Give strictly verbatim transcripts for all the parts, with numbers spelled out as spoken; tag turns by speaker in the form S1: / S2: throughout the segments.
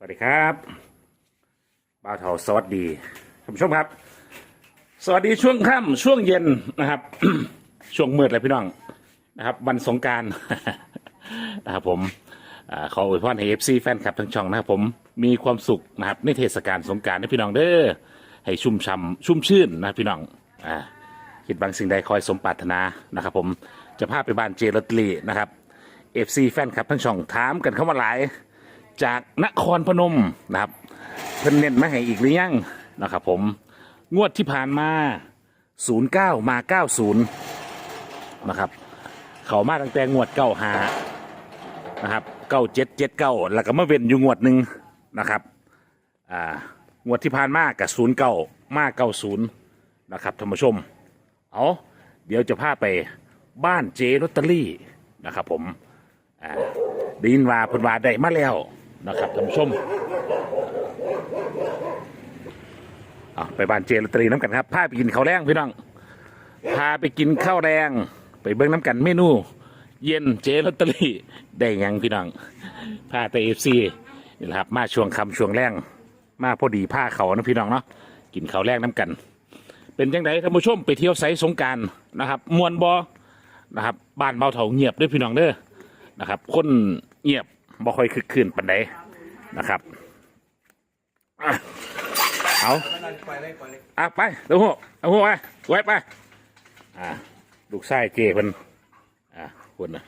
S1: วัสดีครับบ่าวเถาสวัสดีท่านผู้ชมครับสวัสดีช่วงค่ำช่วงเย็นนะครับ ช่วงมืดเลยพี่น้องนะครับวันสงกรานต์ นะครับผมอาขออวยพรให้เอฟซีแฟนคลับทั้งช่องนะครับผมมีความสุขนะครับในเทศกาลสงกรานต์นะพี่น้องเด้อให้ชุ่มช่ำชุ่มชื่นนะพี่น้องอ่าคิดบางสิ่งใดคอยสมปรารถนานะครับผมจะพาไปบ้านเจลอตเตอรี่นะครับเอฟซีแฟนคลับทั้งช่องถามกันเข้ามาหลายจากนครพนมนะครับเพิ่นเน้นมาให้อีกหรือยังนะครับผมงวดที่ผ่านมาศูนย์เก้ามาเก้าศูนย์นะครับเขามาตั้งแต่งวดเก้าหานะครับเก้าเจ็ดเจ็ดเก้าแล้วก็มาเว้นอยู่งวดหนึ่งนะครับอ่างวดที่ผ่านมากับศูนย์เก้ามาเก้าศูนย์นะครับท่านผู้ชมเอาเดี๋ยวจะพาไปบ้านเจลอตเตอรี่นะครับผมอ่าได้ยินว่าเพิ่นว่าได้มาแล้วนะครับท่านผู้ชมเอาไปบ้านเจลอตเตอรี่น้ำกันครับพาไปกินข้าวแรงพี่น้องพาไปกินข้าวแรงไปเบิ้งน้ำกันเมนูเย็นเจลอตเตอรี่ได้ยังพี่น้องพาแต่เอฟซีนี่แหละครับมาช่วงคำช่วงแรงมาพอดีผ้าเขานะพี่น้องเนาะกินข้าวแรงน้ำกันเป็นยังไงท่านผู้ชมไปเที่ยวไซสงการนะครับมวนบอนะครับบ้านเบาเถาเงียบด้วยพี่น้องเด้อนะครับคนเงียบบ่ค่อยคึกคืนปานใดนะครับเอาอ่ะไปเดี๋ยวหัวเอาหัวไปไว้ไปอ่าลูกไส้เจเพิ่นอ่าคนนะ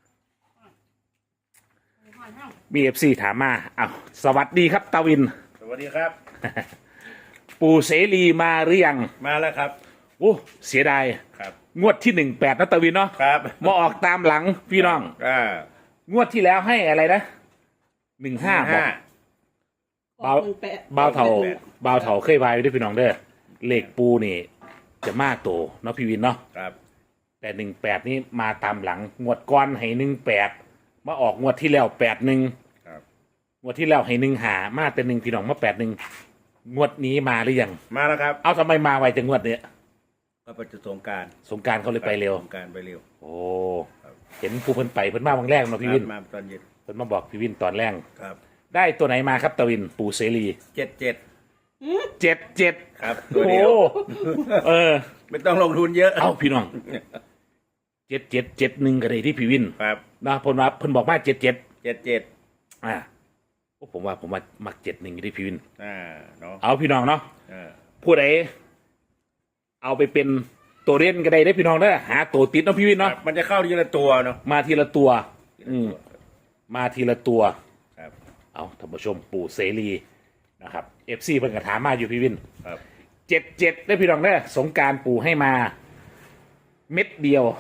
S1: มีเอฟซีถามมาอ้าวสวัสดีครับตาวิน
S2: สวัสดีครับ
S1: ปู่เสรีมาหรือยัง
S2: มาแล้วครับ
S1: โอ้เสียดาย
S2: ครับ
S1: งวดที่หนึ่งแปดนะตาวินเนาะ
S2: ครับ
S1: มาออกตามหลังพี่น้อง
S2: อ่าง
S1: วดที่แล้วให้อะไรนะหนึ่งห้าบอกเบาเบาเถาเบาเถาเคยพายไปด้วยพี่น้องเด้อเลขปูนี่จะมากโตเนาะพี่วินเนาะ
S2: ครับ
S1: แต่หนึ่งแปดนี่มาตามหลังงวดก้อนให้หนึ่งแปดมาออกงวดที่แล้วแปดหนึ่งงวดที่แล้วให้หนึ่งหามาแต่หนึ่งพี่น้องมาแปดหนึ่งงวดนี้มาหรือยัง
S2: มาแล้วครับ
S1: เอาทำไมมาไวจังงวดเนี้ย
S2: ก็ไปจุดสงการ
S1: สงการเขาเลยไปเร็ว
S2: สงการไปเร็ว
S1: โอ้เห็นผู้เพิ่นไปเพิ่นมาบางแรกเนาะพี่วิน
S2: มาตอนเย็น
S1: เพิ่นมาบอกพี่วินตอนแรก
S2: ครับ
S1: ได้ตัวไหนมาครับตะวินปู่เสรี
S2: เจ็ดเจ็ด
S1: เจ็ดเจ็ด
S2: ครับตัวเดียว
S1: เออ
S2: ไม่ต้องลงทุนเยอะ
S1: เอ้าพี่น้องเจ็ดเจ็ดเจ็ดหนึ่งก็ได้ที่พี่วิน
S2: ครับ
S1: นะเพิ่นว่าเพิ่นบอกว่าเจ็ดเจ็ด
S2: เจ็ดเจ็ด
S1: อ่าผมว่าผมว่ามักเจ็ดหนึ่งที่พี่วิน
S2: อ่าเนาะ
S1: เอาพี่น้องเนาะ
S2: อ่า
S1: ผู้ใดเอาไปเป็นตัวเล่นก็ได้ได้พี่น้องเด้อหาตัวติดเนาะพี่วินเนาะ
S2: มันจะเข้าทีละตัวเนาะ
S1: มาทีละตัวอืมมาทีละตัว
S2: ครับ
S1: เอาท่านผู้ชมปู่เสรีนะครับเอฟซีเพิ่นก็ถามมาอยู่พี่วิน
S2: ครับ
S1: เจ็ดเจ็ดได้พี่น้องเด้อสงการปู่ให้มาเม็ดเดียว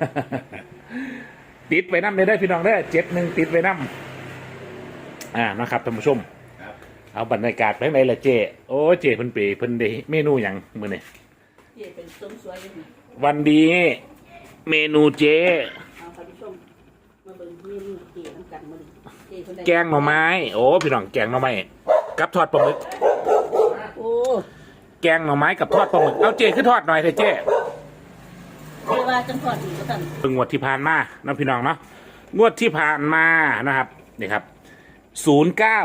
S1: ติดไว้น้ำเลยได้พี่น้องเด้อเจ็ดหนึ่งติดไว้น้ำอ่านะครับท่านผู้ชมเอาบรรยากาศไปไหนล่ะเจโอ้เจเพิ่นไปเพิ่นได้เมนูอย่างมื้อนี้
S3: เจเป็นส้มสวยเลย
S1: วันดีเมนูเจ
S3: เอาท่านผู้ชมมาเบิ่งเมนูเจน้ำกันมื้อนี้เจเพิ่นได้
S1: แกงหน่อไม้โอ้พี่น้องแกงหน่อไม้กับทอดปลาหมึก
S3: โอ้
S1: แกงหน่อไม้กับทอดปลาหมึกเอาเจขึ้นทอดหน่อยเถอะเจ
S3: เรียกว่าจังทอดอีกก็ตัน
S1: เพิ่งงวดที่ผ่านมาน้องพี่น้องเนาะงวดที่ผ่านมานะครับนี่ครับศูนย์เก้า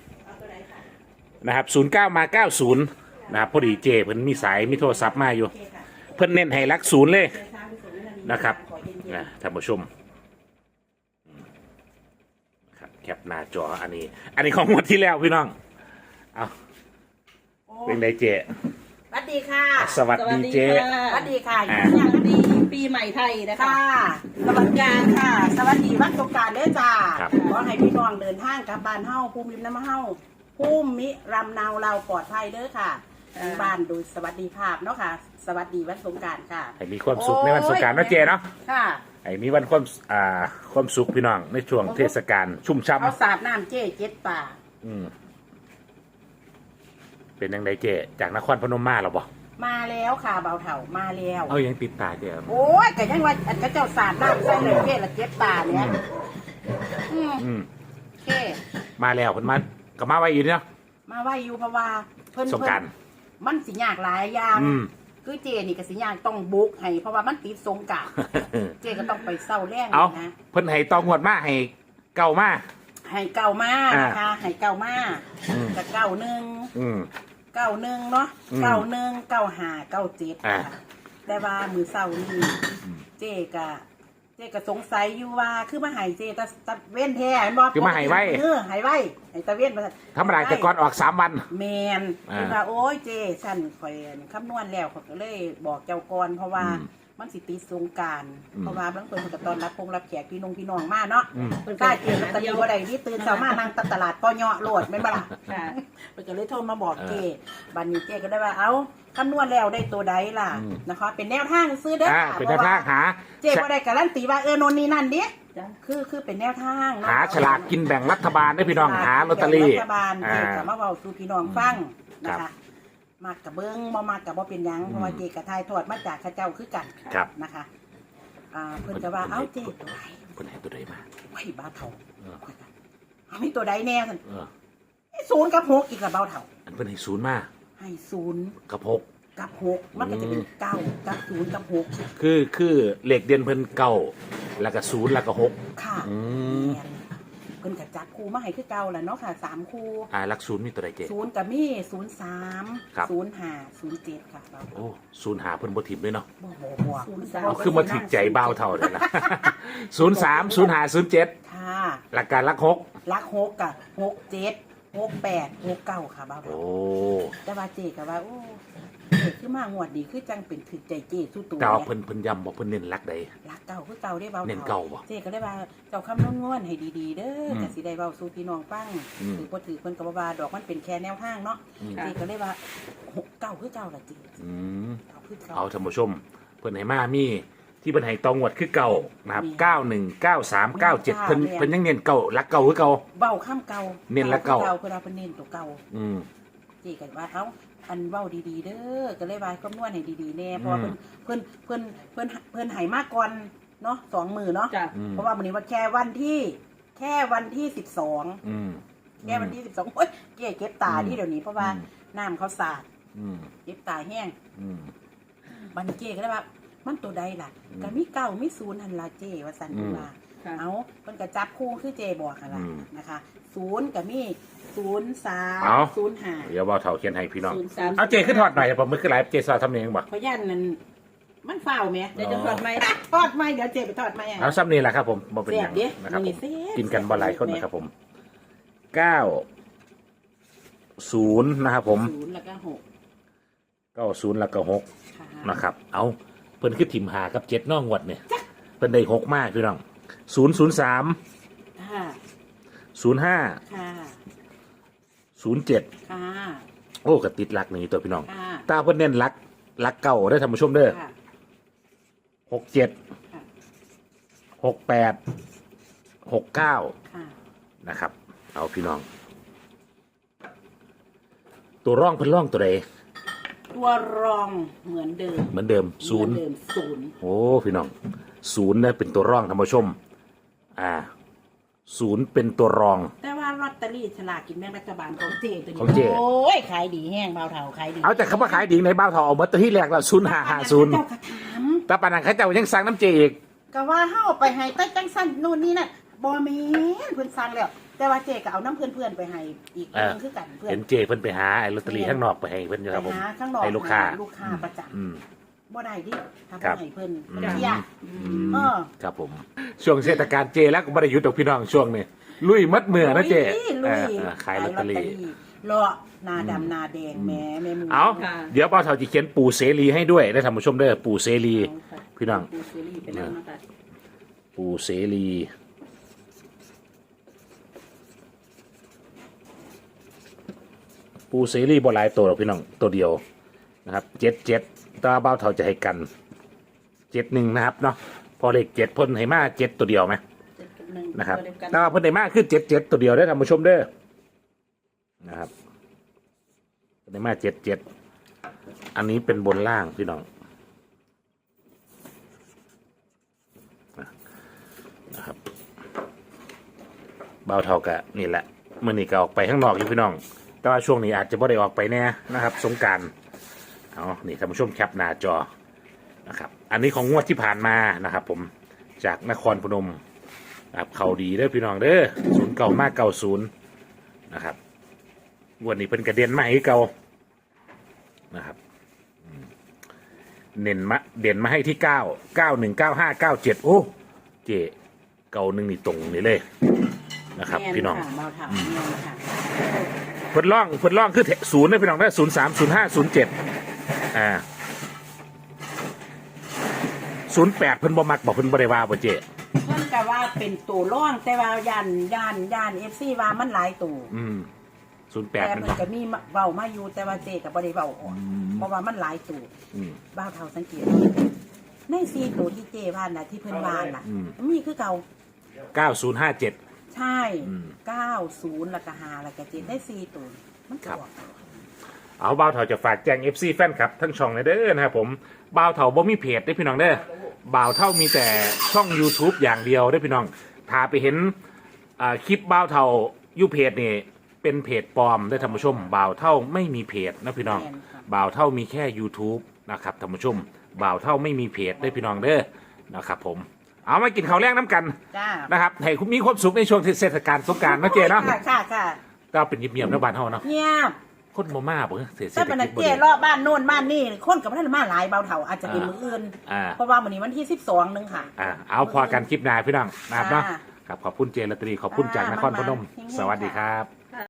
S1: นะครับศูนย์เก้ามาเก้าศูนย์นะครับพอดีเจเพิ่นมีสายมีโทรศัพท์มาอยู่เพิ่นเน้นให้รักศูนย์เลยนะครับนะท่านผู้ชมครับแคปหน้าจออันนี้อันนี้ของงวดที่แล้วพี่น้องเอาเป็นไงเจ
S3: สวัสดีค่ะ
S1: สวัสดีเจ
S3: สวัสดีค่ะอย่างดีปีใหม่ไทยนะคะสวัสดีค่ะสวัสดีวันสงกรานต์เด้อจ้าขอให้พี่น้องเดินทางกลับบ้านเฮาภูมิลำเนาเฮาภูมิรำเนาเราปลอดภัยเด้อค่ะบ้านโดยสวัสดีภาพเนาะค่ะสวัสดีวันสงกรานต์ค่ะ
S1: ให้มีความสุขในวันสงกรานต์นะเจเนาะ
S3: ค่ะ
S1: ให้มีวันความอ่าความสุขพี่น้องในช่วงเทศกาลชุ่มฉ่ำ
S3: เขาสาดน้ำเจเจ็ดป่า
S1: อืมเป็นยังไงเจจากนครพนมมาหรอบ่
S3: มาแล้วค่ะเบาเถามาแล้ว
S1: เอายังติดตาเจ
S3: โอ้ยแต่ยังว่าอันก็เจ้าสาดน้ำใส่เลยเจละเจ็ดป่าเนี่ยอืม
S1: อืม
S3: เจ
S1: มาแล้วเพิ่นมาก็มาไว้อยู่เนาะ
S3: มาไว้อยู่เพราะว่าเพิ่น
S1: สงกรานต์
S3: มันสิยากหลายอย่างคือเจนี่ก็สิยากต้องบุกให้เพราะว่ามันติดสงกรานต์เจก็ต้องไปเศร้าแรง
S1: นะเพิ่นให้ต้องงวดมาให้เก่ามา
S3: ให้เก่ามาก
S1: อ่า
S3: นะคะให้เก่ามาก
S1: อืม
S3: กับเก่าหนึ่ง
S1: อืม
S3: เก่าหนึ่งเนาะ
S1: อืม
S3: เก่าหนึ่งเก่าหาเก่าเจ็ด
S1: อ่า
S3: ค่ะแต่ว่ามือเศร้านี่เจ๊กะเจ๊กะสงสัยอยู่ว่าคือมาใหายเจ๊ตะตะเว้นแท้เห็นบ่
S1: คือมาให้ไว้
S3: เออใหายไว้ให้ตะเว้นมา
S1: ธรรมดาแต่ก่อนออกสามวัน
S3: แมน
S1: อ่า
S3: คือว่าโอ้ยเจ๊ฉันข่อยคำนวณแล้วข่อยก็เลยบอกเจ้าก่อนเพราะว่า
S1: อืม
S3: มันสิติดสงกราร
S1: อืม
S3: เพราะว่าบางคนก็ตอนรับพงรับแขกพี่นงพี่น้องมาเนาะ
S1: อืม
S3: เพิ่นกล้าเจอลอตเตอรี่บ่ได้ที่ตื่นเช้ามานั่งตลาดปอเนาะโลดแม่นบ่ล่ะ
S4: ค่ะ
S3: เพิ่นก็เลยโทรมาบอกเจ๊บัดนี้เจ๊ก็ได้ว่าเอ้าคำนวณแล้วได้ตัวใดล่ะ
S1: อืม
S3: นะคะเป็นแนวทางซื้อเด้อ
S1: อ่า
S3: ค่ะ
S1: เป็นแนวทางหา
S3: เจ๊บ่ได้การันตีว่าเออโนนนี่นั่นดิ
S4: จ้ะ
S3: คือคือเป็นแนวทางเนะ
S1: หาฉลากกินแบ่งรัฐบาลได้พี่น้องหาลอตเตอรี่
S3: รัฐบาล
S1: อ่า
S3: เจ๊ก็มาเว้าสู่พี่น้องฟังนะ
S1: ครั
S3: คะ
S1: บ
S3: มากกับเบิ้งบ่มากกับบ่เป็นหยัง
S1: อืม
S3: เพราะว่าเจ๊กับทายทอดมาจากข้าเจ้าคือกัน
S1: ครับ
S3: นะคะอ่าเพิ่นจะว่าเอ้าเจ๊ตัวไหน
S1: เพิ่นให้ตัวใดมา
S3: ไว้บ้าเฒ่า
S1: เออ
S3: ข้อยก็เอามีตัวใดแน่ซั่น
S1: เออ
S3: ไอ้ศูนย์กับหกอีกกับเบาเฒ่า
S1: อันเพิ่นให้ศูนย์มา
S3: ให้ศูนย์
S1: กับหก
S3: กับหกมันก็จะเป็นเก้ากับศูนย์กับหก
S1: คือคือเหล็กเด่นเพิ่นเก้าแล้วก็ศูนย์แล้วก็หก
S3: ค่ะ
S1: อืม
S3: แม่นเพิ่นก็จับคู่มาให้คือเก่าแหละเนาะค่ะสามคู่
S1: อ่าหลักศูนย์มีตัวใดเจ๊
S3: ศูนย์กับมีศูนย์สาม
S1: ครับ
S3: ศูนย์ห้าศูนย์เจ็ดค่ะเบา
S1: โอ้ศูนย์หาเพิ่นบ่ทิมเลยเนาะ
S3: บ่บ่บ่
S4: ศูนย์สาม
S1: เอาคือมาถึกใจเบาเท่าเลยนะ ศูนย์สามศูนย์หาศูนย์เจ็ด
S3: ค่ะ
S1: หลักการหลักหก
S3: ลักหกกับหกเจ็ดหกแปดหกเก้าค่ะเบาเฒ่า
S1: โอ้
S3: แต่ว่าเจกับว่าโอ้เจคือมางวดดีคือจังเป็นถึกใจเจสู้ตัว
S1: เก่า
S3: เนี่ย
S1: เพิ่นเพิ่นย้ำบอกเพิ่นเน้นหลักใด
S3: รักเก่าคือเก่าได้เบา
S1: เน้นเก่าบ่
S3: เจก็ได้ว่าเจ้าคำนวณงวนให้ดีๆ เด้อ
S1: ม
S3: แต่สิได้เบาสู้พี่น้องฟัง
S1: อืม
S3: ถือบ่ถือเพิ่นก็บ่ว่าดอกมันเป็นแค่แนวทางเนาะ
S1: อืม
S3: เจก็เลยว่าหกเก่าคือเก่าล่ะเจ
S1: อืม
S3: เก่าคือเก่า
S1: เอาท่านผู้ชม เพิ่นให้มามีที่เพิ่นให้ตองวดคือเก่านะครับ
S3: มี
S1: เก้าหนึ่ง เก้าสาม เก้าเจ็ด
S3: จ้า
S1: เพิ่น
S3: แม่น
S1: เพิ่นยังเน้นเก่าหลักเก่าคือเก่า
S3: เบ้าข้ามเก่า
S1: เน้นละเก่า
S3: คือเพิ่นเอาเพิ่นเน้นตัวเก่า
S1: อืม
S3: เจก็ว่าเอ้าอันเว้าดีๆ เด้อก็เลยว่าคำนวณให้ดีๆแน่เพราะว่า
S1: อื
S3: เพิ่
S1: ม
S3: นเพิ่นเพิ่นเพิ่นเพิ่นให้มาก่อนเนาะสองมือเนาะ
S4: จ้ะ
S1: อืม
S3: เพราะว่าวันนี้วันแค่วันที่แค่วันที่สิบสอง
S1: อืม
S3: แค่วันที่สิบสองโอ้ยเก๋เก็บตาที่เดี๋ยวนี้เพราะว่า
S1: อืม
S3: น้ำเขาสาด
S1: อืม
S3: เก็บตาแห้ง
S1: อืม
S3: บันเก๋ก็เลยว่ามันตัวใดล่ะ
S1: อืม
S3: ก็มีเก้ามีศูนย์หันละเจว่าสัน
S1: อืม
S3: ติว่า
S4: ค่ะ
S3: เอามันก็จับคู่คือเจบอกหันละ
S1: อืม
S3: นะคะศูนย์กับมีศูนย์สาม
S1: เอา
S3: ศูนย์ห้า
S1: เดี๋ยวเบาเท่าเขียนให้พี่น้อง
S4: ศูนย์สาม
S1: เอาเจขึ้นถอดหน่อยผมมือขึ้นไลฟ์เจสอนทำเองบ่
S3: เพราะยันนั้นมันเฝ้าวไหม
S4: เดี๋ยวจะทอดไหม
S3: ทอดไหมเดี๋ยวเจไปทอดไหมอ่ะ
S1: เอาซ้ำนี่แหละครับผมบ่เป็นหยัง
S3: เสียบดิ
S1: นะครับ
S3: นี่
S1: ผม
S3: เสียบ
S1: กินกันบ่หลายคนนะครับผมเก้าศูนย์นะครับผม
S3: ศูนย์แล้วก็หก
S1: เก้าศูนย์แล้วก็หก
S3: ค่ะ
S1: นะครับ เอาเพิ่นขึ้นถิ่มหากับเจ็ดน้องงวดเนี่ยเพิ่นได้หกมากพี่น้องศูนย์ศูนย์สาม
S3: ค่ะ
S1: ศูนย์ห้า
S3: ค่ะ
S1: ศูนย์เจ็ด
S3: ค่ะ
S1: โอ้กระติดหลักนี่ตัวพี่น้อง
S3: ค่ะ
S1: ตาเพิ่นเน้นหลักหลักเก่าได้อท่านผู้ชมเด้อ
S3: ค่ะ
S1: หกเจ็ด
S3: ค่ะ
S1: หกแปดหกเก้า
S3: ค่ะ
S1: นะครับ เอาพี่น้อง ตัวร่องเพิ่นร่องตัวใด
S3: ตัวรองเหมือนเดิม
S1: เหมือนเดิมศูนย์
S3: เหมือเดิมศูนย์
S1: โอ้พี่น้องศูนย์เนี่ยเป็นตัวร่องท่านผู้ชม อ่าศูนย์เป็นตัวรอง
S3: แต่ว่าลอตเตอรี่ฉลากกินแบ่งรัฐบาลของเจตัวนี้
S1: ของเจ
S3: โอ้ยขายดีแห้งเบาเท่าขายดี
S1: เอาแต่คำว่าขายดีในบ้าวทองเอามาตัวที่แรกแล้วศูนย์ห้าห้าศูนย์
S3: เจ้ากระถาม
S1: แต่ปานนันเขาเจ้ายังสั่งน้ำเจอีก
S3: ก็ว่าเฮาไปให้ใต้จังสันนู่นนี่นั่นบ่แม่นเพิ่นสั่งแล้ว แต่ว่าเจก็เอาน้ำเพื่อนๆไปให้อีก
S1: เออ
S3: เพิ่นคือกันเพื่อน
S1: เห็นเจเพิ่นไปหาไอ้ลอตเตอรี่ข้างนอกไปให้เพิ่นอยู่ครับ
S3: ไป
S1: ผม
S3: หาข้างนอก
S1: ให้ลูกค้า
S3: ลูกค้าประจำ
S1: อืม
S3: บ่ได้ดิทำ
S1: ครับ
S3: ให้เพิ่น
S1: อืม
S3: เที่ย เออ
S1: ครับผม ช่วงเทศกาลเจแล้วก็บ่ได้หยุดดอกพี่น้องช่วงนี้ลุยมัดมือนะเจ
S3: ลุย
S1: เอ
S3: ลุ
S1: อย เออขายลอตเตอรี่
S3: เลาะหนาดำหนาแดงแหม่แม่หมู
S1: เอา
S4: ค่ะ
S1: เดี๋ยวป้าเฒ่าจะเขียนปู่เสรีให้ด้วยได้ท่านผู้ชมเด้อปู่เสรี พี่น้อง
S4: ปูซีรีส์ไปแล้วนะคะ
S1: ปู่เสรีปู่เสรีบ่หลายตัวหรอกพี่น้องตัวเดียวนะครับเจ็ดเจ็ดตาเบ้าเท่าจะให้กันเจ็ดหนึ่งนะครับเนาะพอเลขเจ็ดเพ่นให้มาเจ็ดตัวเดียวไหม
S4: เจ็ดกับหนึ่ง
S1: นะครับ
S4: ตัวเดียวกัน
S1: แต่ว่าเพ่นให้มาคือเจ็ดเจ็ดตัวเดียวได้อท่านผู้ชมเด้อนะครับเพิ่นให้มาเจ็ดเจ็ดอันนี้เป็นบนล่างพี่น้องนะครับเบาเท่ากะนี่แหละมื่อนี้ก็ออกไปข้างนอกอยู่พี่น้อง แต่ว่าช่วงนี้อาจจะไม่ได้ออกไปแน่นะครับสงกรารเอานี่ท่านผู้ชมแคปหน้าจอนะครับ อันนี้ของงวดที่ผ่านมานะครับ ผมจากนครพนมครับเขาดีเด้อพี่น้องเด้อศูนย์เก่ามากเก่าศูนย์นะครับวันนี้เป็นกระเด็นมาให้เก่านะครับอืมเน้นมาเด่นมาให้ที่เก้าเก้าหนึ่งเก้าห้าเก้าเจ็ดโอ้เจเก่าหนึ่งนี่ตรงนี่เลยนะครับพี่น้อง
S3: แม่ค่ะเบาเถาแม่นค่ะ
S1: เพิ่นล่องเพิ่นล่องคือศูนย์นะพี่น้องได้ศูนย์สามศูนย์ห้าศูนย์เจ็ดอ่าศูนย์แปดเพิ่นบ่มักบอกเพิ่นบ่ได้ว่าบ่เจ
S3: เพิ่นก็ว่าเป็นตัวร่องแต่ว่าย่านย่านย่าน เอฟ ซี ว่ามันหลายตัว
S1: อืมศูนย์แปด
S3: แต่
S1: มัน
S3: เพิ่น
S1: บอก
S3: ก็มีเว้ามาอยู่แต่ว่าเจก็บ่ได้เว้าออกเพราะว่ามันหลายตัว
S1: อืม
S3: บ้าวเฒ่าสังเกตในสี่ตัวที่เจว่าน่ะที่เพิ่นว่าน่ะ
S1: อืม
S3: มีคือเก่า
S1: เก้าศูนย์ห้าเจ็ด
S3: ใช่
S1: อืม
S3: เก้าศูนย์แล้วก็ห้าแล้วก็เจ็ดได้สี่ตัวมันก็ออก
S1: เอาบ่าวเถาจะฝากแจ้ง เอฟ ซี แฟนครับทั้งช่องเลยเด้อนะครับผมบ่าวเถาบ่มีเพจได้อพี่น้องเด้อบ่าวเท่ามีแต่ช่อง YouTube อย่างเดียวได้อพี่น้องถ้าไปเห็นอ่าคลิปบ่าวเถาอยู่เพจนี่เป็นเพจปลอมได้อท่านผู้ชมบ่าวเท่าไม่มีเพจนะพี่น้องบ่าวเท่ามีแค่ YouTube นะครับท่านผู้ชมบ่าวเท่าไม่มีเพจได้อพี่น้องเด้อนะครับผมเอามากินข้าวแรงน้ำกัน
S3: จ้า
S1: นะครับให้คุณมีความสุขในช่วงเทศกาลสงกรานต์เนาะเจเนาะ
S3: ค่ะค่ะค่ะ
S1: ก็เป็นเงียบๆนะบ้านเฮาเนาะ
S3: เงียบ
S1: คนบ่มาบ่เศรษฐ
S3: ถ้าเป็น
S1: กิจ
S3: เจ
S1: บ่ดี
S3: รอบบ้านโน่นบ้านนี่คนกับท่านมาหลายเบาเฒ่าอาจจะเป็นมืออื่น
S1: อ่า
S3: เพราะว่าวันนี้วันที่สิบสองนึงค่ะ
S1: อ่าเอาพอกันคลิปหน้าพี่น้องนะครับเนาะ
S3: อ่า
S1: ครับขอบคุณเจลอตเตอรี่ขอบคุณจากนครพนม
S3: อ่ามันมา
S1: สวัสดีครับ